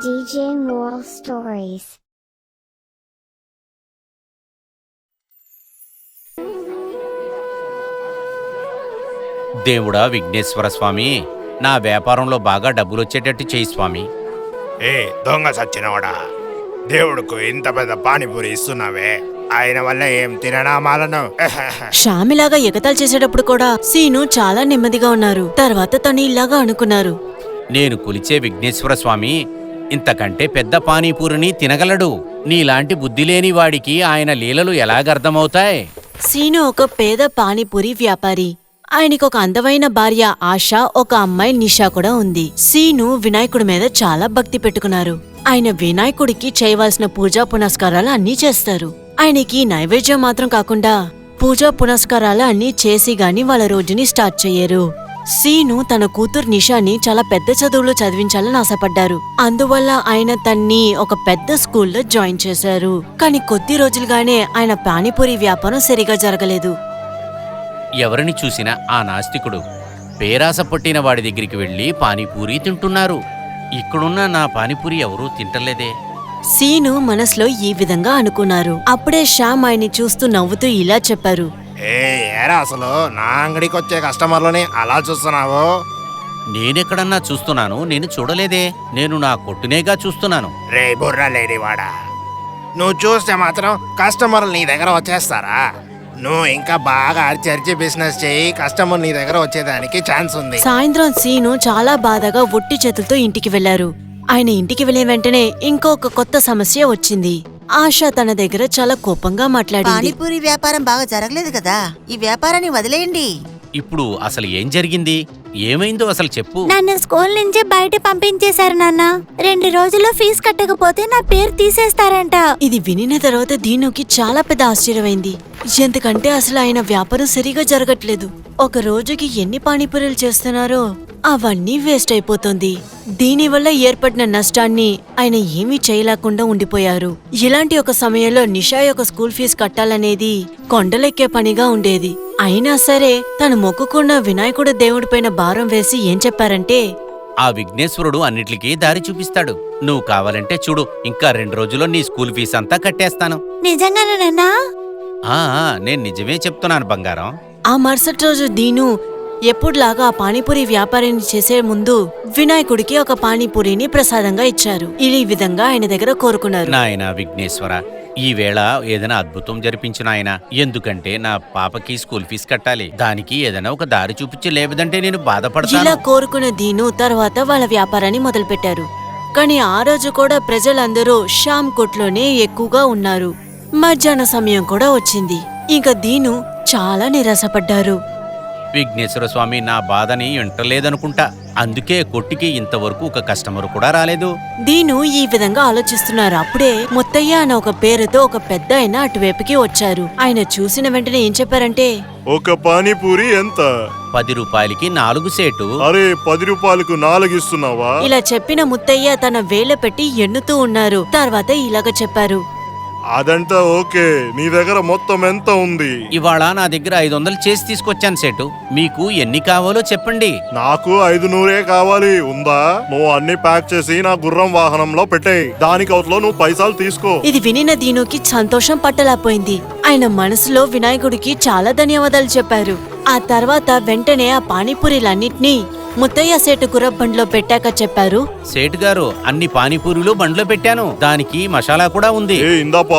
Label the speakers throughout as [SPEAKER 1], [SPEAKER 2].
[SPEAKER 1] DJ Moral Stories.
[SPEAKER 2] దేవుడా విఘ్నేశ్వర స్వామి, నా వ్యాపారంలో బాగా డబ్బులొచ్చేటట్టు చేయి స్వామి.
[SPEAKER 3] ఏ దొంగ సచ్చినవాడా, దేవుడుకు ఇంత పెద్ద పానీపూరి ఇస్తున్నావే, ఆయన వల్ల ఏం తిననామాలను?
[SPEAKER 4] శ్యామిలాగా ఎగతాలు చేసేటప్పుడు కూడా సీను చాలా నెమ్మదిగా ఉన్నారు. తర్వాత తను ఇలాగా అనుకున్నారు,
[SPEAKER 2] నేను కొలిచే విఘ్నేశ్వర స్వామి ఇంతకంటే పెద్ద పానీపూరిని తినగలడు. నీలాంటి బుద్ధి లేని వాడికి ఆయన లీలలు ఎలాగర్థమవుతాయి?
[SPEAKER 4] సీను ఒక పేద పానీపూరి వ్యాపారి. ఆయనకు ఒక అందమైన భార్య ఆశ, ఒక అమ్మాయి నిషా కూడా ఉంది. సీను వినాయకుడి మీద చాలా భక్తి పెట్టుకున్నారు. ఆయన వినాయకుడికి చేయవలసిన పూజా పునస్కారాలు అన్నీ చేస్తారు. ఆయనకి నైవేద్యం మాత్రం కాకుండా పూజా పునస్కారాలు అన్నీ చేసి గాని వాళ్ళ రోజుని స్టార్ట్ చెయ్యరు. సీను తన కూతురు నిషాని చాలా పెద్ద చదువులు చదివించాలని ఆశపడ్డారు. అందువల్ల ఆయన తన్ని ఒక పెద్ద స్కూల్లో జాయిన్ చేశారు. కానీ కొద్ది రోజులుగానే ఆయన పానీపూరి వ్యాపారం సరిగా జరగలేదు.
[SPEAKER 2] ఎవరిని చూసినా ఆ నాస్తికుడు పేరాస పట్టిన వాడి దగ్గరికి వెళ్లి పానీపూరి తింటున్నారు. ఇక్కడున్న నా పానీపూరి ఎవరూ తింటలేదే.
[SPEAKER 4] సీను మనసులో ఈ విధంగా అనుకున్నారు. అప్పుడే శ్యామ్ ఆయన్ని చూస్తూ నవ్వుతూ ఇలా చెప్పారు,
[SPEAKER 3] ఏరా అసలు నా అంగడికి వచ్చే కస్టమర్లని అలా చూస్తున్నావు?
[SPEAKER 2] నేనెక్కడన్నా చూస్తున్నాను? నేను చూడలేదే. నేను నా కొట్టునేగా చూస్తున్నాను.
[SPEAKER 3] రే బుర్ర లేనివాడా, నువ్వు చూస్తే మాత్రం కస్టమర్లు నీ దగ్గర వచ్చేస్తారా? నువ్వు ఇంకా బాగా అరిచి బిజినెస్ చేయి, కస్టమర్ నీ దగ్గర వచ్చేదానికి ఛాన్స్ ఉంది.
[SPEAKER 4] సాయంత్రం సీను చాలా బాధగా ఒట్టి చేతులతో ఇంటికి వెళ్లారు. ఆయన ఇంటికి వెళ్లిన వెంటనే ఇంకొక కొత్త సమస్య వచ్చింది. ఆశ తన దగ్గర చాలా కోపంగా మాట్లాడింది.
[SPEAKER 5] పానీపూరి వ్యాపారం బాగా జరగలేదు కదా, ఈ వ్యాపారాన్ని వదిలేయండి.
[SPEAKER 2] ఇప్పుడు అసలు ఏం జరిగింది? ఏమైందో అసలు చెప్పు.
[SPEAKER 6] నన్ను స్కూల్ నుంచి బయట పంపించేశారు నాన్న. 2 రోజుల్లో ఫీజు కట్టకపోతే నా పేరు తీసేస్తారంట.
[SPEAKER 4] ఇది వినిన తర్వాత దీనుకి చాలా పెద్ద ఆశ్చర్యమైంది. ఎందుకంటే అసలు ఆయన వ్యాపారం సరిగా జరగట్లేదు. ఒక రోజుకి ఎన్ని పానీపూరీలు చేస్తున్నారో అవన్నీ వేస్ట్ అయిపోతుంది. దీనివల్ల ఏర్పడిన నష్టాన్ని ఆయన ఏమీ చేయలేకుండా ఉండిపోయారు. ఇలాంటి ఒక సమయంలో నిషా యొక్క స్కూల్ ఫీజు కట్టాలనేది కొండలెక్కే పనిగా ఉండేది. అయినా సరే తను మొక్కుకున్న వినాయకుడు దేవుడిపైన భారం వేసి ఏం చెప్పారంటే,
[SPEAKER 2] ఆ విఘ్నేశ్వరుడు అన్నిటికీ దారి చూపిస్తాడు. నువ్వు కావాలంటే చూడు, ఇంకా 2 రోజుల్లో నీ స్కూల్ ఫీజు అంతా కట్టేస్తాను.
[SPEAKER 6] నిజంగానా నాన్నా?
[SPEAKER 2] నేను నిజమే చెప్తున్నాను బంగారం.
[SPEAKER 4] ఆ మరుసటి రోజు దీను ఎప్పుడులాగా ఆ పానీపూరి వ్యాపారాన్ని చేసే ముందు వినాయకుడికి ఒక పానీపూరిని ప్రసాదంగా ఇచ్చారు. ఈ విధంగా ఆయన దగ్గర కోరుకున్నారు,
[SPEAKER 2] నాయనా విఘ్నేశ్వర, ఈవేళ ఏదైనా అద్భుతం జరిపించు నాయనా. ఎందుకంటే నా పాపకి స్కూల్ ఫీజు కట్టాలి. దానికి ఏదైనా ఒక దారి చూపించి, లేదంటే నేను బాధపడతాను.
[SPEAKER 4] ఇలా కోరుకున్న దీను తర్వాత వాళ్ళ వ్యాపారాన్ని మొదలుపెట్టారు. కానీ ఆ రోజు కూడా ప్రజలందరూ శ్యామ్ కొట్లోనే ఎక్కువగా ఉన్నారు. మధ్యాహ్న సమయం కూడా వచ్చింది. ఇంకా దీను చాలా నిరాశపడ్డారు.
[SPEAKER 2] విఘ్నేశ్వర స్వామి నా బాధని వింటలేదనుకుంటా. అందుకే కొట్టికి ఇంతవరకు ఒక కస్టమర్ కూడా రాలేదు.
[SPEAKER 4] దీను ఈ విధంగా ఆలోచిస్తున్నారు. అప్పుడే ముత్తయ్య అన్న ఒక పేరుతో ఒక పెద్ద ఆయన అటువైపుకి వచ్చారు. ఆయన చూసిన వెంటనే ఏం చెప్పారంటే,
[SPEAKER 7] ఒక పానీపూరి ఎంత?
[SPEAKER 2] 10 రూపాయలకి 4 సేటు.
[SPEAKER 7] అరే 10 రూపాయలకు 4 ఇస్తున్నావా?
[SPEAKER 4] ఇలా చెప్పిన ముత్తయ్య తన వేళ్ళ పెట్టి ఎన్నుతూ ఉన్నారు. తర్వాత ఇలాగ చెప్పారు,
[SPEAKER 7] అదంతా ఓకే, నీ దగ్గర మొత్తం ఎంత ఉంది?
[SPEAKER 2] ఇవాళ నా దగ్గర 500 చేసి తీసుకొచ్చాను సేటు. మీకు ఎన్ని కావాలో చెప్పండి.
[SPEAKER 7] నాకు 500 కావాలి. ఉందా? నువ్వు అన్ని ప్యాక్ చేసి నా గుర్రం వాహనంలో పెట్టేయ్. దానికి అవతలో నువ్వు పైసలు తీసుకో.
[SPEAKER 4] ఇది వినిన దీనుకి సంతోషం పట్టలేకపోయింది. ఆయన మనసులో వినాయకుడికి చాలా ధన్యవాదాలు చెప్పారు. ఆ తర్వాత వెంటనే ఆ పానీపూరీలన్నిటినీ ముత్తయ్య సేటు గుర్రబండ్లో పెట్టాక చెప్పారు,
[SPEAKER 2] సేటు గారు, అన్ని పానీపూరీలు బండ్లో పెట్టాను. దానికి మసాలా కూడా ఉంది.
[SPEAKER 7] ఇందాపా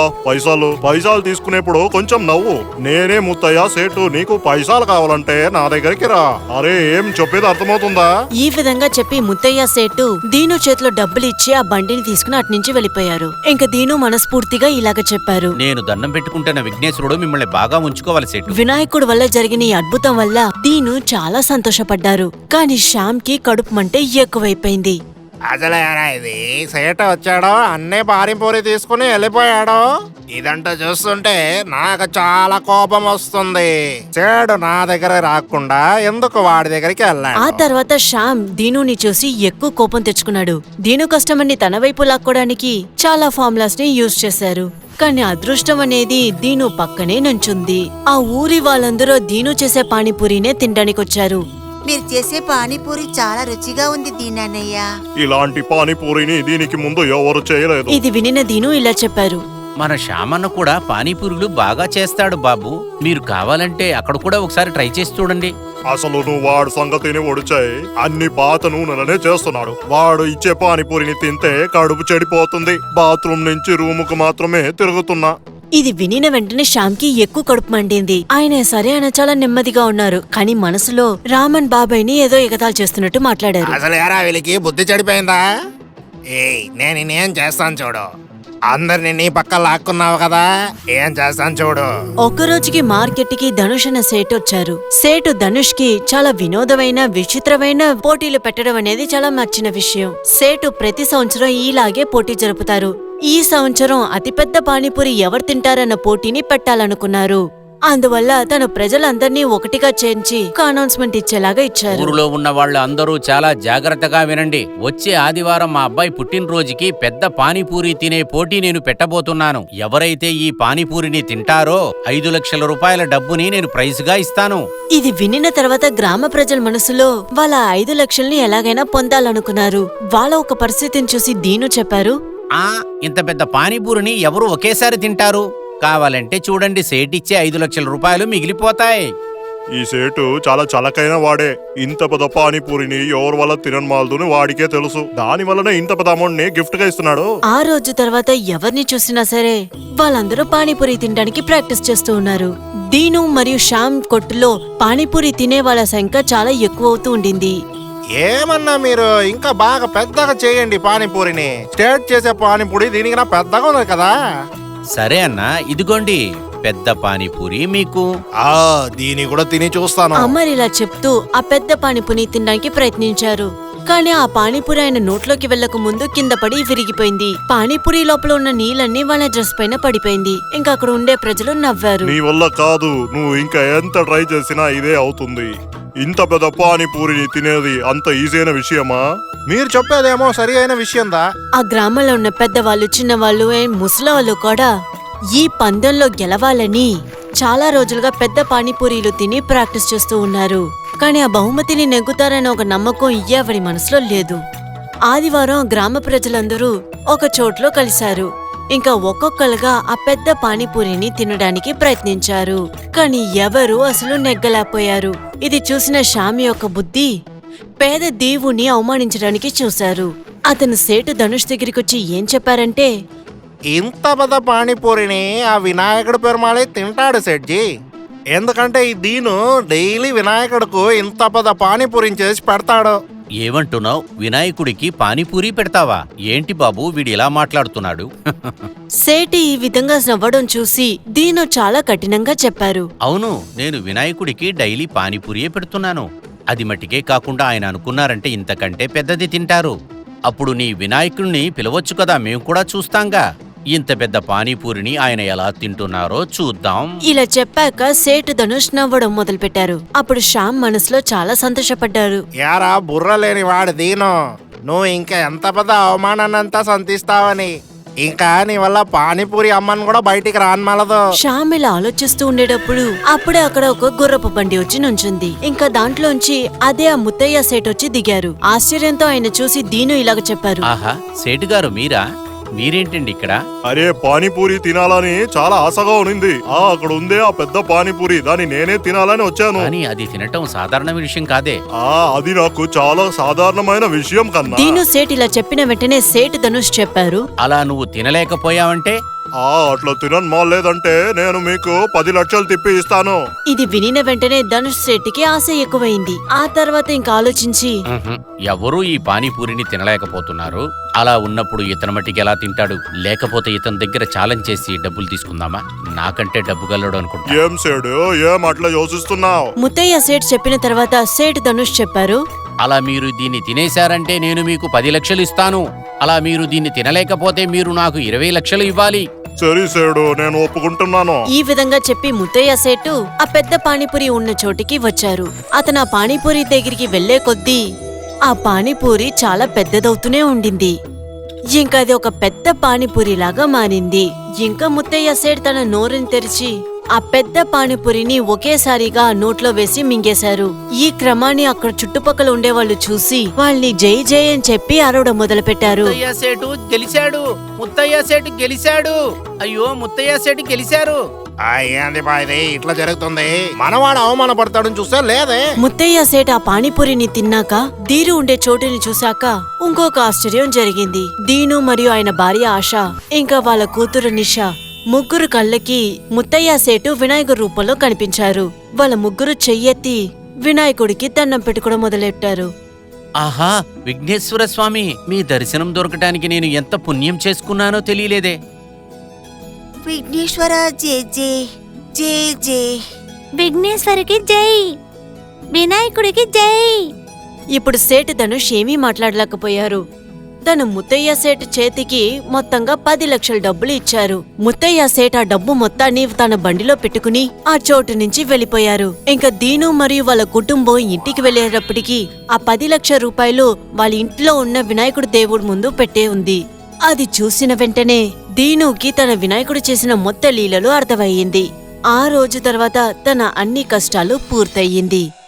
[SPEAKER 7] పైసలు తీసుకునేప్పుడు కొంచెం నవ్వు. నేనే ముత్తయ్య సేటు, నీకు పైసలు కావాలంటే నా దగ్గరికి రా. అరే ఏం చెప్పేది అర్థమవుతుందా?
[SPEAKER 4] ఈ విధంగా చెప్పి ముత్తయ్య సేటు దీను చేతిలో డబ్బులు ఇచ్చి ఆ బండిని తీసుకుని అట్నుంచి వెళ్లిపోయారు. ఇంకా దీను మనస్ఫూర్తిగా ఇలాగ చెప్పారు,
[SPEAKER 2] నేను దండం పెట్టుకుంటున్న విఘ్నేశ్వరుడు మిమ్మల్ని బాగా ఉంచుకోవాలి సేటు.
[SPEAKER 4] వినాయకుడు వల్ల జరిగిన ఈ అద్భుతం వల్ల దీను చాలా సంతోషపడ్డారు. కానీ శ్యామ్ కి కడుపు మంటే ఎక్కువైపోయింది.
[SPEAKER 3] అసలు ఇది సేట వచ్చాడో అన్నీ పానీపూరి తీసుకుని వెళ్ళిపోయాడో? ఇదంతా చూస్తుంటే నాకు చాలా కోపం వస్తుంది. సేడు నా దగ్గర రాకుండా ఎందుకు వాడి దగ్గరికి వెళ్ళాడు?
[SPEAKER 4] ఆ తర్వాత శ్యామ్ దీనుని చూసి ఎక్కువ కోపం తెచ్చుకున్నాడు. దీను కస్టమర్ని తన వైపు లాక్కోడానికి చాలా ఫార్ములాస్ ని యూజ్ చేశారు. కానీ అదృష్టం అనేది దీను పక్కనే నుంచుంది. ఆ ఊరి వాళ్ళందరూ దీను చేసే పానీపూరినే తినడానికొచ్చారు.
[SPEAKER 5] మీరు చేసే పానీపూరి చాలా రుచిగా ఉంది దీనన్నయ్య.
[SPEAKER 7] ఇలాంటి పానీపూరిని దీనికి ముందు ఎవరు చేయలేదు.
[SPEAKER 4] ఇది వినిన దీను ఇలా చెప్పారు.
[SPEAKER 2] మన శ్యామన్న కూడా పానీపూరీలు బాగా చేస్తాడు బాబు. మీరు కావాలంటే అక్కడ కూడా ఒకసారి ట్రై చేసి చూడండి.
[SPEAKER 7] అసలు నువ్వు వాడు సంగతిని ఒడిచాయి అన్ని పాత నూనెలనే చేస్తున్నాడు. వాడు ఇచ్చే పానీపూరిని తింటే కడుపు చెడిపోతుంది. బాత్రూమ్ నుంచి రూముకు మాత్రమే తిరుగుతున్నా.
[SPEAKER 4] ఇది వినిన వెంటనే శ్యామ్కి ఎక్కువ కడుపు మండింది. ఆయన సరే ఆయన చాలా నెమ్మదిగా ఉన్నారు, కానీ మనసులో రామన్ బాబాయ్ని ఏదో ఎగతాళి చేస్తున్నట్టు మాట్లాడారు.
[SPEAKER 3] అసలు ఎరా వీళ్ళకి బుద్ధి చెడిపోయిందా? ఏయ్ నేనేం చేస్తాను చూడు. అందరిని నీ పక్క లాక్కున్నావు కదా, ఏం చేస్తాను చూడు.
[SPEAKER 4] ఒక రోజుకి మార్కెట్ కి ధనుష్ అన్న సేటు వచ్చారు. సేటు ధనుష్ కి చాలా వినోదమైన విచిత్రమైన పోటీలు పెట్టడం అనేది చాలా నచ్చిన విషయం. సేటు ప్రతి సంవత్సరం ఇలాగే పోటీ జరుపుతారు. ఈ సంవత్సరం అతిపెద్ద పానీపూరి ఎవరు తింటారన్న పోటీని పెట్టాలనుకున్నారు. అందువల్ల తను ప్రజలందర్నీ ఒకటిగా చేర్చి అనౌన్స్మెంట్ ఇచ్చేలాగా ఇచ్చారు.
[SPEAKER 2] ఊరిలో ఉన్న వాళ్ళు అందరూ చాలా జాగ్రత్తగా వినండి. వచ్చే ఆదివారం మా అబ్బాయి పుట్టినరోజుకి పెద్ద పానీపూరి తినే పోటీ నేను పెట్టబోతున్నాను. ఎవరైతే ఈ పానీపూరిని తింటారో 5 లక్షల రూపాయల డబ్బుని నేను ప్రైజ్ గా ఇస్తాను.
[SPEAKER 4] ఇది వినిన తర్వాత గ్రామ ప్రజల మనసులో వాళ్ళ 5 లక్షల్ని ఎలాగైనా పొందాలనుకున్నారు. వాళ్ళ ఒక పరిస్థితిని చూసి దీను చెప్పారు,
[SPEAKER 2] ఇంత పెద్ద పానీపూరిని ఎవరు ఒకేసారి తింటారు? కావాలంటే చూడండి, సేటిచ్చే 5 లక్షల రూపాయలు మిగిలిపోతాయి.
[SPEAKER 7] ఈ సేటు చాలా చలకైన వాడే. ఇంత పెద్ద పానీపూరిని ఎవరి వల్ల తినమాలదుని వాడికే తెలుసు. దాని వల్లనే ఇంత పెద్ద అమౌంట్ ని గిఫ్ట్ గా ఇస్తున్నాడు.
[SPEAKER 4] ఆ రోజు తర్వాత ఎవరిని చూసినా సరే వాళ్ళందరూ పానీపూరి తినడానికి ప్రాక్టీస్ చేస్తూ ఉన్నారు. దీను మరియు శ్యామ్ కొట్టులో పానీపూరి తినే వాళ్ళ సంఖ్య చాలా ఎక్కువ అవుతూ ఉండింది.
[SPEAKER 3] ఏమన్నా మీరు ఇంకా బాగా పెద్దగా చేయండి పానీపూరిని. స్టేట్ చేసే పానీపూరి దీనికి నా పెద్దగా ఉన్నది కదా.
[SPEAKER 2] సరే అన్నా, ఇదిగోండి పెద్ద పానీపూరి మీకు.
[SPEAKER 3] దీని కూడా తిని చూస్తాను.
[SPEAKER 4] అమర్ ఇలా చెప్తూ ఆ పెద్ద పానీపూరి తినడానికి ప్రయత్నించారు. కానీ ఆ పానీపూరి ఆయన నోట్లోకి వెళ్లక ముందు కింద పడి విరిగిపోయింది. పానీపూరి లోపల ఉన్న నీళ్ళన్నీ వాళ్ళ డ్రెస్ పైన పడిపోయింది. ఇంకా అక్కడ ఉండే ప్రజలు నవ్వారు.
[SPEAKER 7] నీ వల్ల కాదు, నువ్వు ఇంకా ఎంత ట్రై చేసినా ఇదే అవుతుంది. ఇంత పెద్ద పానీపూరిని తినేది అంత ఈజీ అయిన విషయమా?
[SPEAKER 3] మీరు చెప్పేదేమో సరి అయిన విషయందా?
[SPEAKER 4] ఆ గ్రామంలో ఉన్న పెద్దవాళ్ళు, చిన్నవాళ్ళు, ముసలివాళ్ళు కూడా ఈ పందెంలో గెలవాలని చాలా రోజులుగా పెద్ద పానీపూరీలు తిని ప్రాక్టీస్ చేస్తూ ఉన్నారు. కానీ ఆ బహుమతిని నెగ్గుతారన్న ఒక నమ్మకం ఎవరి మనసులో లేదు. ఆదివారం గ్రామ ప్రజలందరూ ఒక చోట్లో కలిశారు. ఇంకా ఒక్కొక్కరుగా ఆ పెద్ద పానీపూరిని తినడానికి ప్రయత్నించారు. కానీ ఎవరూ అసలు నెగ్గలేకపోయారు. ఇది చూసిన శ్యామ్ యొక్క బుద్ధి పేద దేవుణ్ణి అవమానించడానికి చూశారు. అతను సేటు ధనుష్ దగ్గరికొచ్చి ఏం చెప్పారంటే,
[SPEAKER 3] ఇంత పెద్ద పానీపూరిని ఆ వినాయకుడి పెరుమాళే తింటాడు సెట్జీ. ఎందుకంటే ఈ దీను డైలీ వినాయకుడుకు ఇంత పెద్ద పానీపూరిని చేసి పెడతాడు.
[SPEAKER 2] ఏమంటున్నావు? వినాయకుడికి పానీపూరి పెడతావా? ఏంటి బాబు వీడు ఇలా మాట్లాడుతున్నాడు?
[SPEAKER 4] సేటి ఈ విధంగా నవ్వడం చూసి దీను చాలా కఠినంగా చెప్పారు.
[SPEAKER 2] అవును, నేను వినాయకుడికి డైలీ పానీపూరియే పెడుతున్నాను. అది మటికే కాకుండా ఆయన అనుకున్నారంటే ఇంతకంటే పెద్దది తింటారు. అప్పుడు నీ వినాయకుడిని పిలవచ్చు కదా, మేము కూడా చూస్తాంగా. ఇంత పెద్ద పానీపూరిని ఆయన ఎలా తింటున్నారో చూద్దాం.
[SPEAKER 4] ఇలా చెప్పాక సేటు ధనుష్ నవ్వడం మొదలుపెట్టారు. అప్పుడు శ్యామ్ మనసులో చాలా సంతోషపడ్డారు.
[SPEAKER 3] యారా బుర్ర లేని వాడు దీను, నువ్వు ఇంకా ఎంత పెద్ద అవమానాన్నంతా సంతిస్తావని. ఇంకా నీ వల్ల పానీపూరి అమ్మని కూడా బయటికి రానమలదు.
[SPEAKER 4] శ్యామ్ ఇలా ఆలోచిస్తూ ఉండేటప్పుడు అప్పుడే అక్కడ ఒక గుర్రపు బండి వచ్చి నుంచుంది. ఇంకా దాంట్లోంచి అదే ఆ ముత్తయ్య సేట్ వచ్చి దిగారు. ఆశ్చర్యంతో ఆయన చూసి దీను ఇలాగ చెప్పారు,
[SPEAKER 2] ఆహా, సేటు గారు మీరా? మీరేంటండి ఇక్కడ?
[SPEAKER 7] అరే పానీపూరి తినాలని చాలా ఆశగా ఉంది. అక్కడ ఉందే ఆ పెద్ద పానీపూరి, దాన్ని నేనే తినాలని వచ్చాను.
[SPEAKER 2] కానీ అది తినటం సాధారణ విషయం కాదే.
[SPEAKER 7] అది నాకు చాలా సాధారణమైన విషయం కన్నా.
[SPEAKER 4] దీను సేట్ ఇలా చెప్పిన వెంటనే సేటు ధనుష్ చెప్పారు,
[SPEAKER 2] అలా నువ్వు తినలేకపోయావంటే?
[SPEAKER 7] అట్లా తినలేదంటే నేను మీకు 10 లక్షలు తిప్పి ఇస్తాను.
[SPEAKER 4] ఇది వినిన వెంటనే ధనుష్ సేట్కి ఆశ ఎక్కువైంది. ఆ తర్వాత ఇంకా ఆలోచించి,
[SPEAKER 2] ఎవరూ ఈ పానీపూరిని తినలేకపోతున్నారు. అలా ఉన్నప్పుడు ఇతను మట్టికి ఎలా తింటాడు? లేకపోతే ఇతని దగ్గర ఛాలెంజ్ చేసి డబ్బులు తీసుకుందామా? నాకంటే డబ్బు గలడు అనుకుంటా.
[SPEAKER 7] ఏం సేడు, ఏం అట్లా యోచిస్తున్నావు?
[SPEAKER 4] ముత్తయ్య సేట్ చెప్పిన తర్వాత సేటు ధనుష్ చెప్పారు,
[SPEAKER 2] అలా మీరు దీన్ని తినేశారంటే నేను మీకు 10 లక్షలు ఇస్తాను. అలా మీరు దీన్ని తినలేకపోతే మీరు నాకు 20 లక్షలు ఇవ్వాలి.
[SPEAKER 7] సరే సేడు, నేను ఒప్పుకుంటున్నాను.
[SPEAKER 4] ఈ విధంగా చెప్పి ముత్తయ్య సేటు ఆ పెద్ద పానీపూరి ఉన్న చోటికి వచ్చారు. అతను ఆ పానీపూరి దగ్గరికి వెళ్లే కొద్దీ ఆ పానీపూరి చాలా పెద్దదవుతూనే ఉండింది. ఇంకా అది ఒక పెద్ద పానీపూరి లాగా మారింది. ఇంకా ముత్తయ్య సేట్ తన నోరుని తెరిచి ఆ పెద్ద పానీపూరిని ఒకేసారిగా నోట్లో వేసి మింగేశారు. ఈ క్రమాన్ని అక్కడ చుట్టుపక్కల ఉండేవాళ్ళు చూసి వాళ్ళని జై జై అని చెప్పి అరవడం మొదలుపెట్టారు.
[SPEAKER 2] ముత్తయ్య సేటు గెలిచాడు, ముత్తయ్య సేటు గెలిచాడు, అయ్యో ముత్తయ్య సేటు గెలిచారు.
[SPEAKER 3] ఏంది బా ఇది ఇట్లా జరుగుతుంది? మనవాడు అవమానపడతాడని చూస్తే లేదే.
[SPEAKER 4] ముత్తయ్య సేట్ ఆ పానీపూరిని తిన్నాక దీరు ఉండే చోటుని చూశాక ఇంకొక ఆశ్చర్యం జరిగింది. దీను మరియు ఆయన భార్య ఆశ ఇంకా వాళ్ళ కూతురు నిషా ముగ్గురు కళ్ళకి ముత్తయ్య సేటు వినాయకుడి రూపంలో కనిపించారు. వాళ్ళ ముగ్గురు చెయ్యెత్తి వినాయకుడికి దండం పెట్టుకోవడం మొదలెట్టారు.
[SPEAKER 2] ఆహా, విఘ్నేశ్వర స్వామి, మీ దర్శనం దొరకటానికి నేను ఎంత పుణ్యం చేసుకున్నానో తెలియలేదే.
[SPEAKER 5] విఘ్నేశ్వర జై జై జై జై.
[SPEAKER 6] విఘ్నేశ్వరికి జై, వినాయకుడికి జై.
[SPEAKER 4] ఇప్పుడు సేటు ధనుష్ ఏమీ మాట్లాడలేకపోయారు. తను ముత్తయ్య సేట్ చేతికి మొత్తంగా 10 లక్షల డబ్బులు ఇచ్చారు. ముత్తయ్య సేట్ ఆ డబ్బు మొత్తాన్ని తన బండిలో పెట్టుకుని ఆ చోటు నుంచి వెళ్లిపోయారు. ఇంకా దీను మరియు వాళ్ళ కుటుంబం ఇంటికి వెళ్లేటప్పటికి ఆ 10 లక్షల రూపాయలు వాళ్ళ ఇంట్లో ఉన్న వినాయకుడి దేవుడి ముందు పెట్టే ఉంది. అది చూసిన వెంటనే దీనుకి తన వినాయకుడు చేసిన మొత్త లీలలు అర్థమయ్యింది. ఆ రోజు తర్వాత తన అన్ని కష్టాలు పూర్తయింది.